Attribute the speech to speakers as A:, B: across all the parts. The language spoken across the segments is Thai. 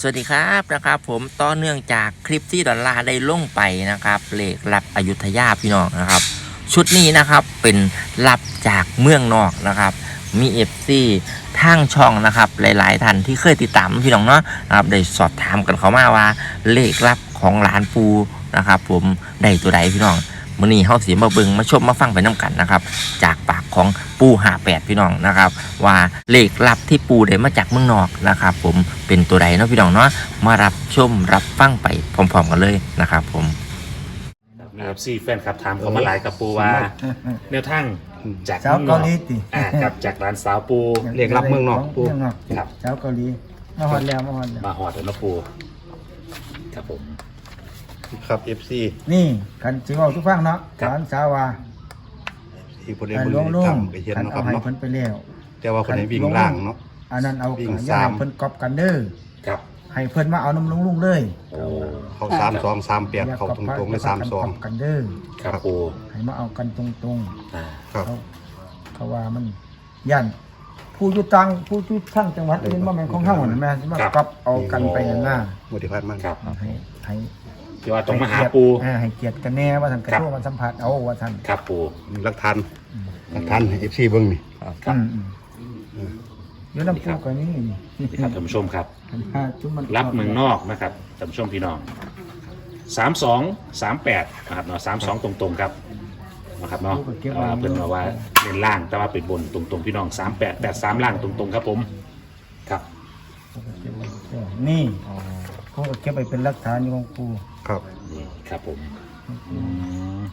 A: สวัสดีครับผมต่อเนื่องจากคลิปที่ดอลลาร์ได้ลงไปนะครับเลขลับอยุธยาพี่น้องนะครับชุดนี้นะครับเป็นลับจากเมืองนอกนะครับมีFCทางช่องนะครับหลายๆท่านที่เคยติดตามพี่น้องเนาะนะครับได้สอบถามกันเข้ามาว่าเลขลับของหลานปูนะครับผมได้ตัวใดพี่น้องมื้อนี้เฮาสิมาเบิ่งมาชมมาฟังไปนํกันนะครับจากปากของปู58พี่น้องนะครับว่าเลขลับที่ปูได้มาจากเมืองนอกนะครับผมเป็นตัวใดเนาะพี่น้องเนาะมารับชมรับฟังไปพร้อมๆกันเลยนะครับผม
B: มีFC แฟนครับถามเขามาหลายกับปูว่าแนวทางจาก
C: สาวเกาหลีติ
B: กับจากร้านสาวปู
D: เรียกรับเมืองนอกปู
C: เมืองนอก
B: ครับ
C: สาวเกาหลีมาฮอดแล้วมาฮอดแล้ว
B: มาหอดแล้วปูครับผม
D: ครับ FC
C: นี่คันสิเว้าทุกฟังเนาะ
B: ครับ
C: หลานสาวว่า
D: ที่บ่ได้
C: อัน
D: บ่
C: หลวงลุ
D: ได้
C: ง
D: ทำไปเฮ็ด
C: คัน
D: เนาะค
C: เอา
D: รับ
C: ให้
D: เนาะ
C: เพิ่นไปแล้ว
D: แต่ว่าคนไหนวิ่งล่างเนาะ
C: อันนั้นเอา
D: วิ่ง
C: อย่า
D: สาม
C: ให้เพิ่นก๊อปกันเด้อ
B: ครับ
C: ให้เพิ่นมาเอาน้ำลุงเลย
B: โอ้
D: เขา32 38เขาตรงๆเลย
C: ก๊อปกันเด้อ
B: ครับปู
C: ให้มาเอากันตรง
B: อ่า
D: 32ครับ
C: ๆเขาว่ามันย่านผู้อยู่ต่างผู้อยู่ทั้งจังหวัดนี่บ่แม่นของเฮานั่นแม่นมาก๊อปเอากันไปนั่นน่ะ
D: บ่ได้พลาดมัน
B: ครับ
C: ให้
B: ที่ว่าต้องมาหาปู
C: ให้เกียรติกันแน่ว่าท่านกระโชว์มันสัมผัสเอาว่าท่าน
B: ครับปู
D: หลักฐานให้ FC เบิ่งนี่
B: ครับ
C: อยู่น้ำปูกันนี่
B: นี่ครับท่านผู้ชมครับ
C: จุ่มมัน
B: รับเมืองนอกนะครับท่านผู้ชมพี่น้อง3238นะครับเนาะ32ตรงๆครับนะครับเนาะเพิ่นว่าเน้นล่างแต่ว่าเป็นบนตรงๆพี่น้อง3883ล่างตรงๆครับผมครับ
C: นี่เขาเก็บไปเป็นหลักฐานอยู่ของปู
D: ครับ
B: นี่ครับผมม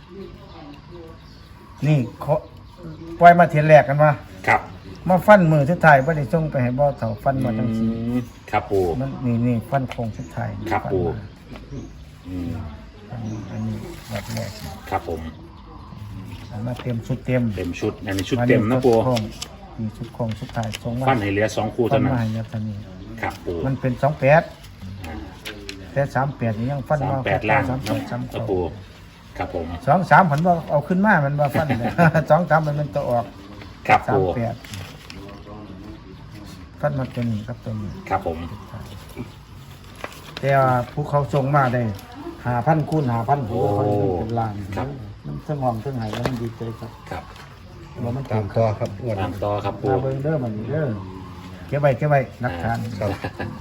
C: นี่เขาปล่อยมาเทียนแรกกันว่า
B: ครับ
C: มาฟันมือสุดท้ายบ่ได้ส่งไปให้บ่อเฒ่าฟันมาทั้งสี่
B: ครับปู
C: มันนี่ฟันโคงสุดท้าย
B: ครับปูอืม
C: อันนี้แบบแรก
B: ครับผม
C: เอามาเต็มชุดเต็ม
B: เต็มชุดอันนี้ชุดเต็มนะปู
C: นี่ชุดโคงสุดท้ายส่งมา
B: ฟันให้เหลือ2คู่
C: ฟั
B: เท่าน นั้น
C: มาให้ยับทันนี้
B: ครับปู
C: มันเป็น28แต่38นี่ยังฟันมา
B: 38ล่าง
C: 38
B: นะ
C: 39
B: ปูครับผม
C: 2 3ผมว่าเอาขึ้นมามันว่าฟันเลย 2 3มันเป็นตัวออก
B: ครับปู
C: 38ฟันมาตัวนี้ครับตัวนี้
B: ครับผม
C: แต่ว่าผู้เขาส่งมาได้5,000 คูณ 5,000ผมว่ามันเป็นล้าน
B: ครับ
C: มันทั้งห้องทั้งไหแล้วมันดีใจครับ
B: ครับ
C: ว่ามัน
D: ตามต่อครับงวด
B: ตามต่อครับปู
C: มาเบิ่งเด้อมันนี่เด้อเก็บไว้หลักฐาน
D: ครับ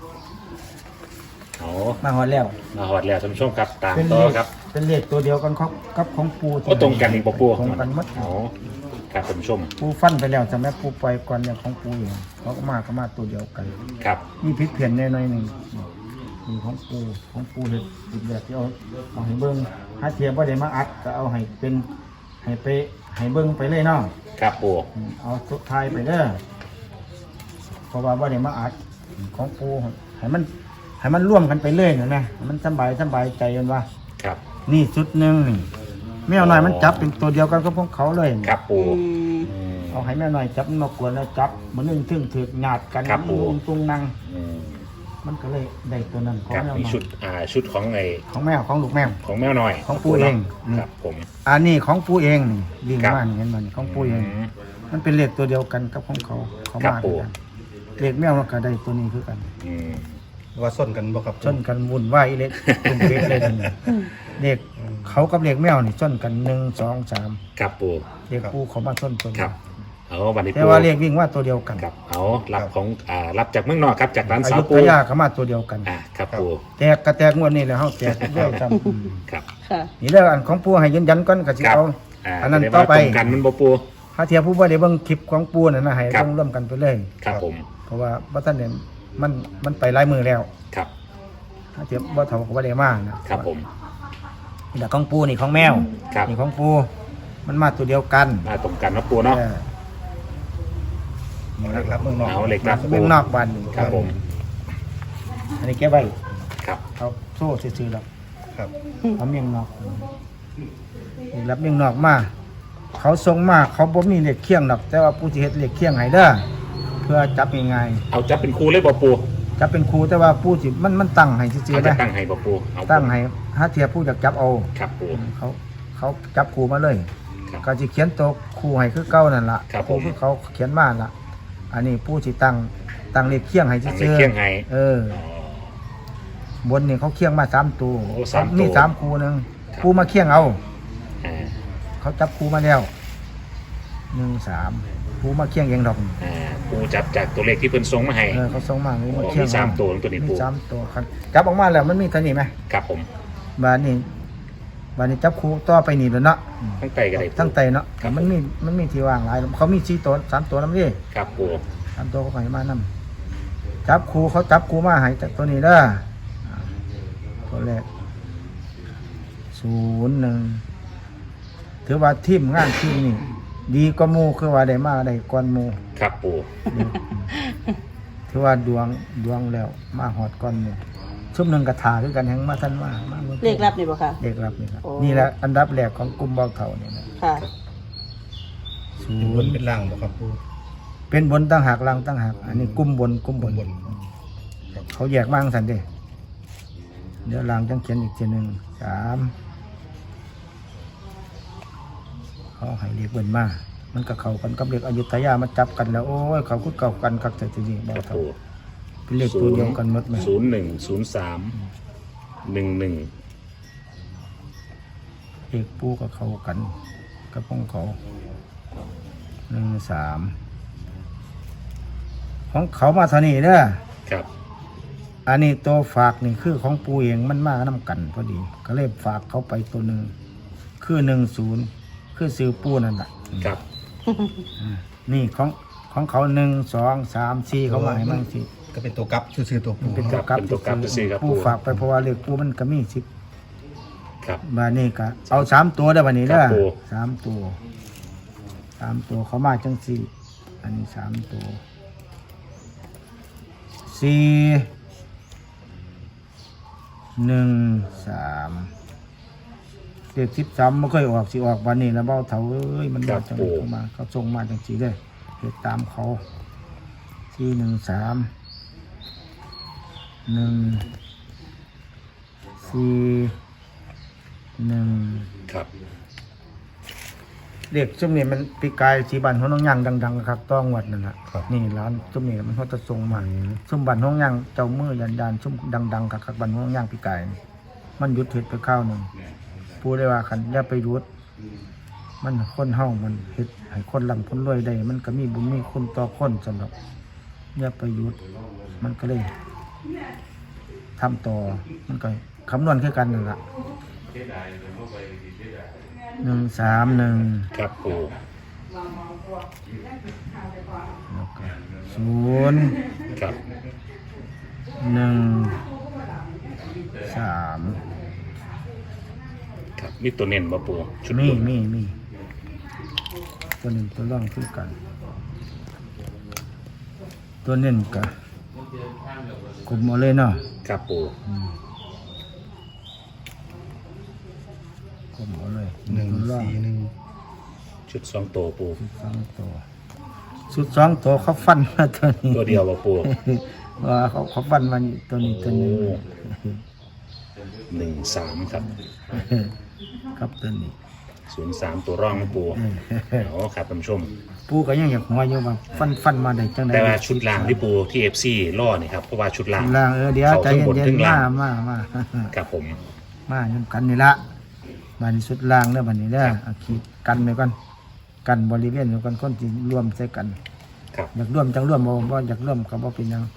B: เอา
C: มาฮอดแล้ว
B: มาหอดแล้วท่านผู้ชมครับตาม
C: เป็น
B: ต่
C: เล
B: อ
C: ข
B: ครับ
C: เป็นเลขตัวเดียวกันครับกับของปู
B: ก็ตรงกันอีกบ่ปู
C: ตรงกันหมด
B: เอาครับท่านผู้ชม
C: ปูฟันไปแล้วจำแม่ปูปล่อยก่อนเนี่ยของปูเองเขาก็มาตัวเดียวกัน
B: ครับ
C: มีพริกเพียนแน่หน่อยหนึงมีของปูเฮ็ดอีกแบบที่เอาให้เบิ่งหาเทียบบ่ได้มาอัดก็เอาให้เป็นให้ไปให้เบิ่งไปเลยเนาะ
B: ครับปู
C: เอาสุดท้ายไปเด้อเพราะว่าบ่ได้มาอัดของปูให้มันร่วมกันไปเลยเห็นไหมให้มันสบายใจกันว่า
B: ครับ
C: นี่ชุดหนึ่งนี่แมวหน่อยมันจับเป็นตัวเดียวกันกับพวกเขาเลย
B: ครับปู
C: เอาให้แมวหน่อยจับมันมากวนแล้วจับมันนึงถึงถือหยาดกัน
B: ครับปู่
C: ตุงนั่ง
B: อืม
C: มันก็เลยได้ตัวนั้นของ
B: ครับ
C: แมวห
B: มี
C: น่อ
B: ชุ
C: ย
B: ดชุดของไอ้
C: ของแมวของลูกแมว
B: ของแมวหน่อย
C: ของปู่เองนี่
B: ครับผม
C: อันนี้ของปูเองนี่วิ่ง
B: ครับ
C: มานี่เห็นมันของปูเอง
B: อืม
C: มันเป็นเลขตัวเดียวกันกับของเขา
B: ครับ
C: มา
B: ปู่
C: ด้วยกันเลขแมวมันก็ได้ตัวนี้คือกัน
B: อืม
D: ว่าส้นกันบ่ครับ
C: ชนกันวุ่นวายอีเล็กตุ่มเล็กเลยนี่เลขเขากับเลขแมวนี่ชนกัน1 2 3
B: ครับปู
C: เลขปูเขามาชนตัว
B: ค
C: นี้
B: รับเอาวันนี้
C: แต่
B: ปู
C: ว่าเลขวิ่งว่าตัวเดียวกัน
B: ครับเอารับของรับจากเมืองนอกครับจากร้าน
C: อา
B: สาว
C: ยุ
B: ปู
C: ทยาเขามาตัวเดียวกัน
B: ครับปู
C: แตกกระแตกงวดนี้แหล้วเฮาแตกเรื่อยจ
B: ครับ
E: ค่ะ
C: ำนี่เรื่องอันของปูให้ยืนยันก่อนก็สิ
B: ครับ
C: เอา อันนั้น
B: จะด้
C: ต่อ
B: ว่า
C: ไป
B: ตรงกันมันบ่ปู
C: ถ้าเทียบผู้บ่ได้เบิ่งคลิปของปูนั่นนะให้
B: ครับ
C: ต้องร่วมกันไปเลย
B: ครับผม
C: เพราะว่าบ่ทันเนี่ยมันไปหลายมือแล้ว
B: ครับ
C: ถ้าเทียบบ่เท่าก็บ่ได้มานะครับ
B: ผม
C: นี่แหละของปูนี่ของแมว
B: ครับ
C: นี่ของปูมันมาตัวเดียวกัน
B: มาตรงกันนะปูเนาะ
C: เออ
D: เล็กรับเมืองนอก
B: เอาเหล็กรับ
C: เบิ่งนอกบ้านนี่
B: ครับผม
C: อันนี้เก็บไว้
B: ครับ
C: เอาโซ่ซื่อๆดอก
D: ครับ
C: เอาเมียงนอกนี่รับเมียงนอกมาเขาส่งมาเขาบ่มีเหล็กเคียงดอก แต่ว่าผู้ที่เฮ็ดเหล็กเคียงให้เด้อเพื่อจับง่าย
B: เอาจับเป็นครูเลยบ่ปู
C: ๆจับเป็นครูแต่ว่าผู้ที่มันตั้งให้ซื่อ
B: เอา
C: ๆ
B: จะ
C: นะ
B: ตั้งให้บ่ปูเอา
C: ตั้งให้ถ้าเทียบผู้อยากจับเอา
B: ครับปู
C: เขาจับครูมาเลย
B: ครับ
C: ก็สิเขียนตัวครูให้คือเก่านั่นล่ะ
B: ครับ
C: ครู
B: ผม
C: คือเขาเขียนมาล่ะ อันนี้ผู้ที่ตั้งเหล็กเคียงให้
B: ตั้ง
C: ซื่
B: ใน
C: อ
B: เคียงให้
C: เออ
B: อ๋อ
C: บนนี่เขาเคี่ยงมา3ตัว
B: โอ้สามตัว
C: มี3คู่หนึงคู่มาเคี่ยงเอา
B: อ่า
C: เขาจับคู่มาแล้ว1 3คู่มาเคี่ยงเองดอก
B: ปูจับจากตัวเลขที่เพิ่นส่งมาให้
C: เขาส่งมา
B: โอ้
C: เคี่ย
B: มี
C: ง
B: สามตัวตัวนี้
C: มี
B: ปู
C: 3ตัวครับจับออกมาแล้วมันมีเท่านี้ไหม
B: ครับผม
C: บานนี้จับคู่ต่อไปนี่แล้วเนาะ
B: ทั้งไตก็ได้ปู
C: ทั้งไตเนาะ
B: ครับ
C: มันมีที่ว่างหลายเขามี4ตัว3ตัวนํดิ
B: ครับปู
C: 3ตัวเขาให้มานํจับคู่เขาจับคู่มาให้จากตัวนี้เด้อตัวแรก01ถือว่าทีมงานทีมนี่ดีกว่าหมู่คือว่าได้มาได้ก่อนหมู่
B: ครับปู
C: ถือว่าดวงแล้วมาฮอดก่อนหมู่ชุมหนึงกระถาคือกันแฮงมาทันมาบิ่ง
E: เลขลับนี่บ่ค่ะ
C: เลขลับนี่ครับ
E: โอ้
C: นี่แหละอันดับแรกของกลุ่มเบาเฒ่านี่นะ
E: ค่ะ
D: เป็นบนเป็นล่างบ่ครับปู
C: เป็นบนตั้งหากล่างตั้งหากอันนี้กลุ่มบน
D: บนครับ
C: เขาแยกมาจังซั่นเด้เดี๋ยวล่างจังเขียนอีกทีหนึง3เขาให้เลขเบิ่นมามันก็เข้ากันกับเลขอยุธยามาจับกันแล้วโอ้ยเขาคือเก่ากันคักแต่ทีนี้เบา
B: ครับ
C: เฒ่า
B: ปู
C: เป็นเลขตัวเดียวกันหมดไหม
B: 01 03 11
C: เลขปูกับเขากันกับของเขา1 3ของเขามาเท่านี้เด้อ
B: ครับ
C: อันนี้ตัวฝากนี่คือของปูเองมันมาน้ำกันพอดี ก็เลยฝากเขาไปตัวหนึ่งคือ10คือซื้อปูนั่นแหละ
B: ครับ
C: นี่ของเขา1 2 3 4เขามาให้มั่งสิ
D: ก็เป็นตัวกลับชื่อตัวปู
C: เป็น
B: ค
C: ตั
B: รั
C: ว
B: บ
C: กลับ
B: เป็นตัวกลับซื่อๆครับ
C: ปู
B: ปู
C: ฝากไปเพราะว่าเลขปูมันก็มี10
B: ครับ
C: บาทนี้ก็เอา3ตัวได้บัดนี้
B: ครั
C: เด้
B: บ
C: อ
B: ปู
C: 3ตัว3ตัวเขามาจังสี่อันนี้3ตัว4 1 3เด็ก13ไม่เคยออกสิออกวันนี้แล้วเบ้าเถาเอ้ยมันมาจังเข้ามาเขาส่งมาจังสีเลยเด็กตามเขา4 1 3 1 4 1
B: ครับ
C: เด็กจุ่มนี่มันปีกายสีบันห้องน้องย่างดังๆครับต้องวัดนั่นแหละนี่ร้านจุ่มนี่มันเขาจะส่งมาซุ่มบันห้องย่างเจ้ามือยันซุ่มดังๆกับบันห้องย่างปีกายนี่มันหยุดเห็ดไปข้าวหนึ่งพูดได้ว่าคันอย่าไปหยุดมันคนเฮามันเห็ดให้คนลำคนรวยได้มันก็มีบุญมีคุณต่อคนสำหรับอย่าไปหยุดมันก็เลยทำต่อมันก็คำนวณคือกันนั่นแหละ1 3 1
B: ครับปู
C: แล้วก็0
B: ครับ
C: 1 3
B: ครับมีตัวเน้นบ่ปูชุด
C: มี
B: บน
C: มีตัวหนึ่งตัวร่องคือกัน ตัวเน้นกะกลุ่มเอาเลยเนาะ
B: ครับปู
C: กลุ่มเอาเลย
D: 1
C: ตัวร่อง
D: 4 1
B: ชุด2ตัวปู
C: 2 ตัวสุด2ตัวเขาฟันมาตัวนี้
B: ตัวเดียวบ่ปู
C: ว่าเขาฟันมานี่ตัวนี้ตัวนี้
B: 13ครับ
C: ครับตัวนี้
B: 03ตัวร่องนะปูอ๋อครับท่านผู้ชม
C: ปูก็ยังอยากหัวอยู่ว่าฟันมาได้จังได๋
B: แต่ว่าชุดล่างที่ปูที่ FC ล่อนี่ครับเพราะว่าชุดล่าง
C: ล่างเดี๋ยว
B: เขา
C: ใจ
B: ทั้งบน
C: เย็
B: ทั้
C: น
B: ง
C: ๆ
B: ล่าง
C: มา
B: ครับผม
C: มานํกันนี่ละบัดนี้สุดล่างเด้อบัดนี้เด้อเอาขีดกันไว้ก่อนกันบริเวณอยู่กันคนที่รวมใส่กัน
B: ครับ
C: อยากร่วมจังร่วมบ่อยากร่วมก็บ่เป็นหยัง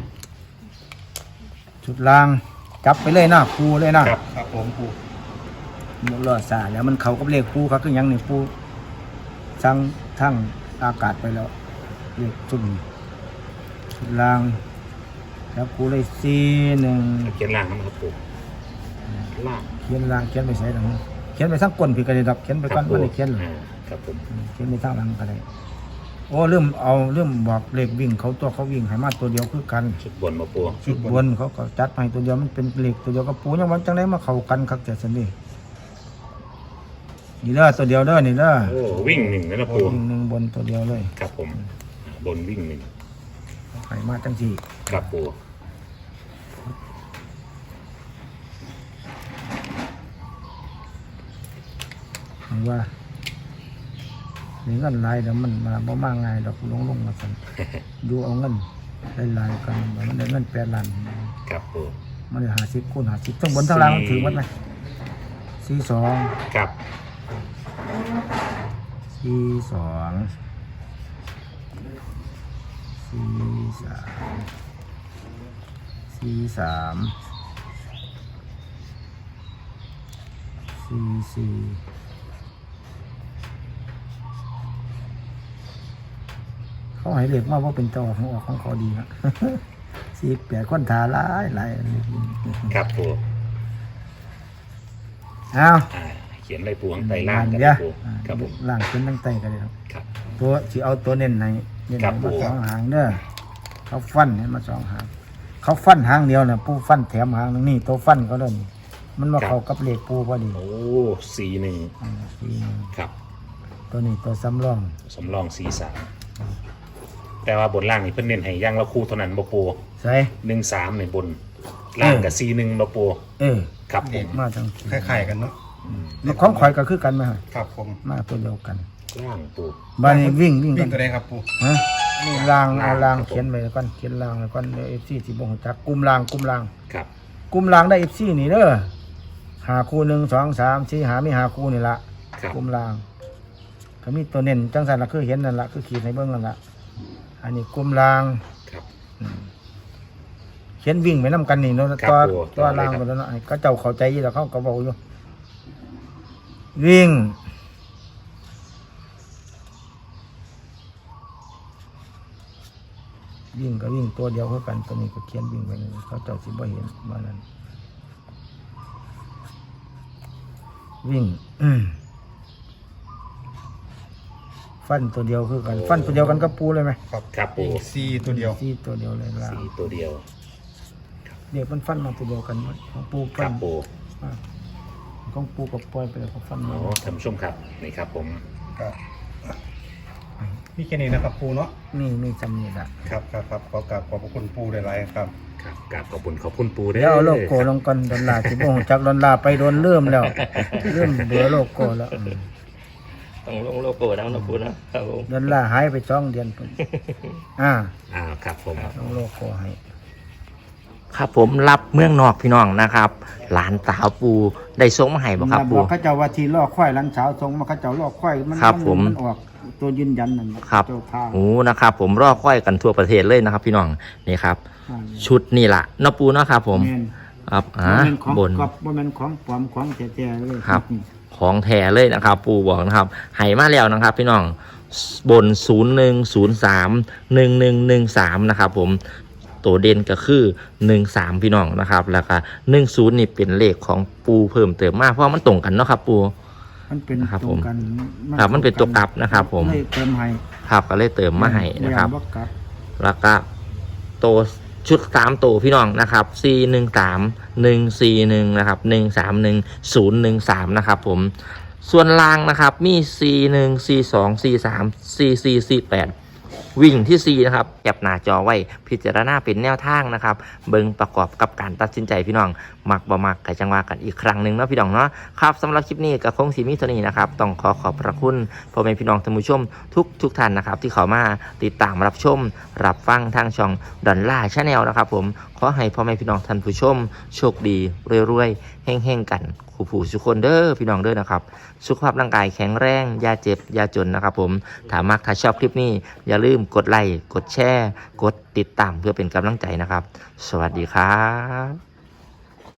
C: ชุดล่างจับไปเลยนะปูเลยนะครับ
D: ครับผมปู
C: บ่รอซาแล้วมันเข้ากับเลขปูครับคือหยังนี่ปูสั่งทั้งอากาศไปแล้วเลขชุดนี้ชุดล่างแล้วปูเลย41
B: เขียนล่างนะครับปูล่าง
C: เขียนล่างเขียนไปใส่หลังเขียนไปทั้งก้นพี่ก็ได้ดอกเขียนไปก่อนบ่ได้เขียนหรอก
B: ครับผม
C: เขียนไปทางหลังก็ได้โอ้เริ่มบอกเลขวิ่งเขาตัวเขาวิ่งให้มาตัวเดียวคือกัน
B: ชุดบนมาปู
C: ชุดบนเขาก็จัดมาให้ตัวเดียวมันเป็นเลขตัวเดียวกับปูยังวันจังไดมาเข้ากันครับแต่สันนี่นี่เด้อตัวเดียวเด้อนี่เด้อ
B: โอ้วิ่งหนึ่งนะปู
C: วิ่งหนึ่งบนตัวเดียวเลย
B: ครับผมบนวิ่งหนึ่ง
C: ให้มาจังสี่
B: ครับปู
C: เห็นว่ามีเงินหลายเดี๋ยวมันมาบ่มาง่ายดอกลงมาสั่น ดูเอาเงินหลายๆกันมันได้เงิน8 ล้าน
B: ครับปู
C: มมันเลย50คูณ50ทั้งบนทั้งล่างมันถือหมดไหม42
B: ครับ
C: เขาให้เรียกว่าเป็นเจ้าของเขาดีนะ48คนทาหลาย
B: ครับปู
C: เอา
B: เขียนเลยปูข้างใต้ล่างกัน
C: เดี๋ยว
B: ปูครับผม
C: ล่างขึ้นตั้งใต้กันเลยครับ
B: ครับ
C: ตัวสิเอาตัวเน้นในเน้น
B: ครั
C: ให้
B: บ
C: มา
B: ผม
C: 2 หางเด้อเขาฟันให้มา2 หางเขาฟันหางเดียวน่ะปูฟันแถมหางนึงนี่ตัวฟันเขาเด้อนี่มันมาเข้ากับเลขปูพอดี
B: โอ้41
C: สี่
B: ครับ
C: ตัวนี้ตัวสำรอง
B: สำรอง43แต่ว่าบนล่างนี่เพิ่นเน้นให้ย่างละคู่เท่านั้นบ่ปู
C: ใส่
B: 13ในบนล่างกับ41บ่ปู ครับผม
C: มาทั้ง
D: คล้ายๆกันเนาะ
C: แล้วของข่อยก็คือกันไหมฮะ
D: ครับผม
C: มาตัวเดียวกัน
B: ล่างปู
C: บ้านนี้วิ่ง
D: วิ่
C: กั
D: ง
C: น
D: ตัวใดครับปู
C: ฮะนี่รางเอาราง
B: ครับผม
C: เขียนไว้ก่อนเขียนรางไว้ก่อนเดี๋ยว FC สิบ่ฮู้จักกลุ่มราง
B: ครับ
C: กลุ่มรางได้ FC นี่เด้อหาคู่1 2 3 4หามีหาคู่นี่ละ
B: ครับ
C: กลุ่มรางก็มีตัวเน้นจังซั่นล่ะคือเห็นนั่นล่ะคือขีดให้เบิ่งนั่นล่ะอันนี้กลุ่มราง
B: ครับ
C: เขียนวิ่งไปนํกันนี่เนาะ
B: ครับ
C: ตัว
B: ผม
C: ตัวราง
B: ครับ
C: ไปแล้วเนาะก็เจ้าเข้าใจอยู่แล้วเขาก็เว้าอยู่วิ่งก็วิ่งตัวเดียวคือกันตัวนี้ก็เขียนวิ่งไปเลยเขาเจ้าสิบ่เห็นว่านั้นวิ่งฟันตัวเดียวคือกันฟันตัวเดียวกันกับปูเลยไหม
B: ครับปู
D: ซีตัวเดียว
C: ซี่ตัวเดียวเลยล่ะ
B: 4ตัวเดียว
C: เดี๋ยวมันฟันมาตัวเดียวกันหมดของปู
B: ค
C: ฟั
B: รั
C: น
B: บปู
C: ของปูกับปล่อยไปแล้วก็ฟันมา
B: โอ้ท่านผู้ชมครับนี่ครับผม
D: ครับมีแค่นี้นะครับปูเนาะ
C: นี่มีจำนี่ละ
D: ครับขอกราบขอบพระคุณปูหลายๆครับ
B: ครับกราบขอบคุณปูเด้
C: เดี๋ยวเอาโลโก้ลงก่อนดอลลาร์ที่บ่งจากดอลลาร์ไปโดนเริ่มแล้วเริ่มเบื่อโลโก้แล้ว
A: ต้องลงโลโก้แล้วนะปูนะครับผม
C: ดอลลาร์หายไป2 เดือนพุ่น
B: ครับผม
C: ลงโลโก้ให้
A: ครับผมรับเมืองนอกพี่น้องนะครับ หลานสาวปูได้ส่งมาให้บ่ครับปู
C: อกเขาเจ้าว่าที่ลอกควายหลังเช้าทรงมาเขาเจ้าลอกควายมัน
A: ครับผม
C: นออกตัวยืนยันนั่นน่ะ
A: ครับ
C: เจ้าทาง
A: โอ้นะครับ ผมรอค่อยกันทั่วประเทศเลยนะครับ พี่น้องนี่ครับ ชุดนี่ล่ะเนาะปูเนาะครับผม
C: แม่น
A: ครับ
C: บ่แม่นของ
A: บน
C: กอบบ่แม่นของปลอมของแท้ๆเลย
A: ครับ ของแท้เลยนะครับ ปูบอกนะครับให้มาแล้วนะครับ พี่น้องบน 01031113นะครับผมตัวเด่นก็คือ13พี่น้องนะครับ แล้วก็10นี่เป็นเลขของปูเพิ่มเติมมาเพราะมันตรงกันเนาะครับปู
C: มันเป็น
A: ครับ
C: ตร
A: ผ
C: ง
A: ม
C: กัน
A: ครับมันเป็นตัวกลับนะครับผม
C: เลยเติมให้
A: ครับก็เลยเติมมาให้นะครับ
C: บ่กลับ
A: แล้วก็ตัวชุด3ตัวพี่น้องนะครับ413 141นะครับ131 013นะครับผมส่วนล่างนะครับมี41 42 43 44 48วิ่งที่4นะครับแคปหน้าจอไว้พิจารณาเป็นแนวทางนะครับเบิ่งประกอบกับการตัดสินใจพี่น้องมักบ่มักก็จังว่ากันอีกครั้งหนึงเนาะพี่น้องเนาะครับสำหรับคลิปนี้ก็คงสิมีเท่านี้นะครับต้องขอบพระคุณพ่อแม่พี่น้องท่านผู้ชมทุกท่านนะครับที่เข้ามาติดตามรับชมรับฟังทางช่องดอนล่าชาแนลนะครับผมขอให้พ่อแม่พี่น้องท่านผู้ชมโชคดีรวยๆเฮงๆกันคู่ผู้ทุกคนเด้อพี่น้องเด้อนะครับสุขภาพร่างกายแข็งแรงอย่าเจ็บอย่าจนนะครับผมถ้ามักถ้าชอบคลิปนี้อย่าลืมกดไลค์กดแชร์กดติดตามเพื่อเป็นกำลังใจนะครับสวัสดีครับ